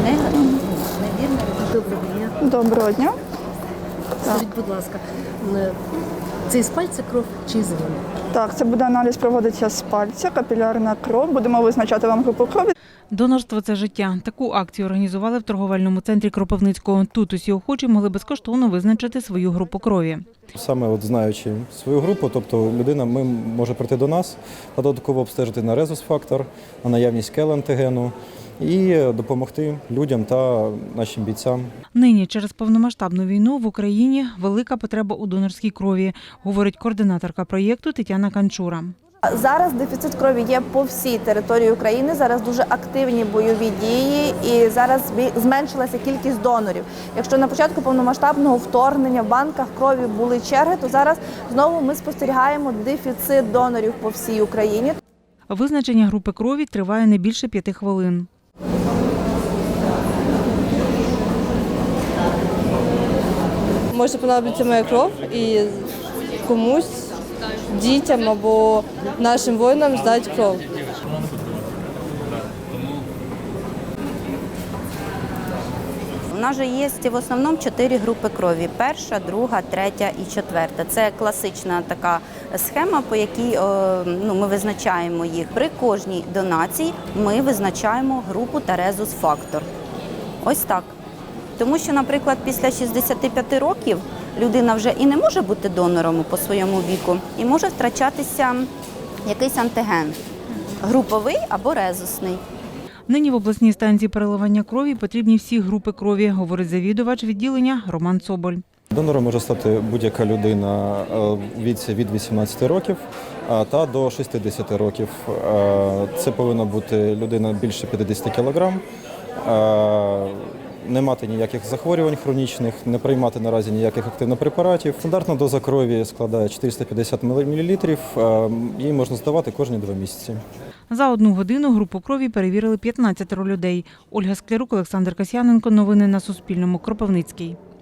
Доброго дня. Доброго дня. Скажіть, будь ласка, це з пальця кров чи з вени? Так, це буде аналіз, проводиться з пальця, капілярна кров. Будемо визначати вам групу крові. Донорство – це життя. Таку акцію організували в торговельному центрі Кропивницького. Тут усі охочі могли безкоштовно визначити свою групу крові. Саме знаючи свою групу, тобто людина може прийти до нас та додатково обстежити на резус-фактор, на наявність КЕЛ-антигену і допомогти людям та нашим бійцям. Нині через повномасштабну війну в Україні велика потреба у донорській крові, говорить координаторка проєкту Тетяна Канчура. Зараз дефіцит крові є по всій території України, зараз дуже активні бойові дії і зараз зменшилася кількість донорів. Якщо на початку повномасштабного вторгнення в банках крові були черги, то зараз знову ми спостерігаємо дефіцит донорів по всій Україні. Визначення групи крові триває не більше 5 хвилин. Може понадобиться моя кров і комусь, дітям або нашим воїнам здати кров. У нас же є в основному 4 групи крові. Перша, друга, третя і четверта. Це класична така схема, по якій ми визначаємо їх. При кожній донації ми визначаємо групу та резус-фактор. Ось так. Тому що, наприклад, після 65 років людина вже і не може бути донором по своєму віку, і може втрачатися якийсь антиген – груповий або резусний. Нині в обласній станції переливання крові потрібні всі групи крові, говорить завідувач відділення Роман Соболь. Донором може стати будь-яка людина у віці від 18 років та до 60 років. Це повинна бути людина більше 50 кг, не мати ніяких захворювань хронічних, не приймати наразі ніяких активних препаратів. Стандартна доза крові складає 450 мл, її можна здавати кожні 2 місяці. За 1 годину групу крові перевірили 15 людей. Ольга Склярук, Олександр Касьяненко. Новини на Суспільному. Кропивницький.